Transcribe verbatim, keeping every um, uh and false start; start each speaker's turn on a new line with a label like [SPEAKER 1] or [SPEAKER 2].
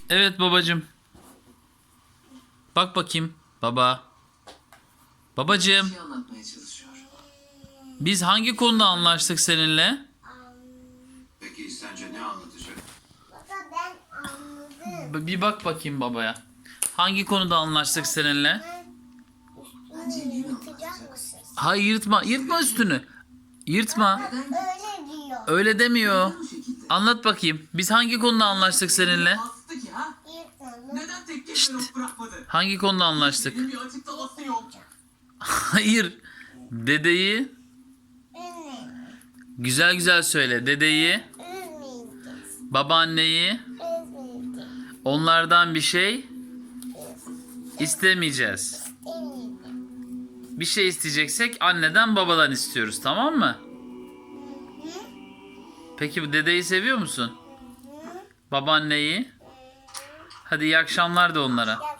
[SPEAKER 1] Evet babacığım. Bak bakayım baba. Babacığım,
[SPEAKER 2] şey anlatmaya çalışıyor.
[SPEAKER 1] biz hangi konuda anlaştık seninle?
[SPEAKER 2] Peki sence ne anlatacak?
[SPEAKER 3] Baba ben anladım.
[SPEAKER 1] B- Bir bak bakayım babaya. Hangi konuda anlaştık seninle?
[SPEAKER 2] Bence yeni
[SPEAKER 3] Yırtacak
[SPEAKER 2] anlatacak.
[SPEAKER 3] mısın?
[SPEAKER 1] Hayır, yırtma, yırtma üstünü. Yırtma.
[SPEAKER 3] Öyle diyor.
[SPEAKER 1] Öyle demiyor.
[SPEAKER 2] Bu şekilde.
[SPEAKER 1] Anlat bakayım. Biz hangi konuda anlaştık seninle?
[SPEAKER 2] Bastı ki ha?
[SPEAKER 3] Yırtma.
[SPEAKER 2] Neden tek kelime yok bırakmadı?
[SPEAKER 1] Hangi konuda anlaştık?
[SPEAKER 2] Benim bir açıklaması yok.
[SPEAKER 1] Hayır. Dedeyi
[SPEAKER 3] Üzmeyin.
[SPEAKER 1] güzel güzel söyle. Dedeyi,
[SPEAKER 3] Üzmeyeceğiz.
[SPEAKER 1] babaanneyi,
[SPEAKER 3] Üzmeyeceğiz.
[SPEAKER 1] onlardan bir şey istemeyeceğiz.
[SPEAKER 3] Demeyeceğiz.
[SPEAKER 1] Bir şey isteyeceksek anneden babadan istiyoruz, tamam mı? Peki bu dedeyi seviyor musun? Babaanneyi? Hadi iyi akşamlar de onlara.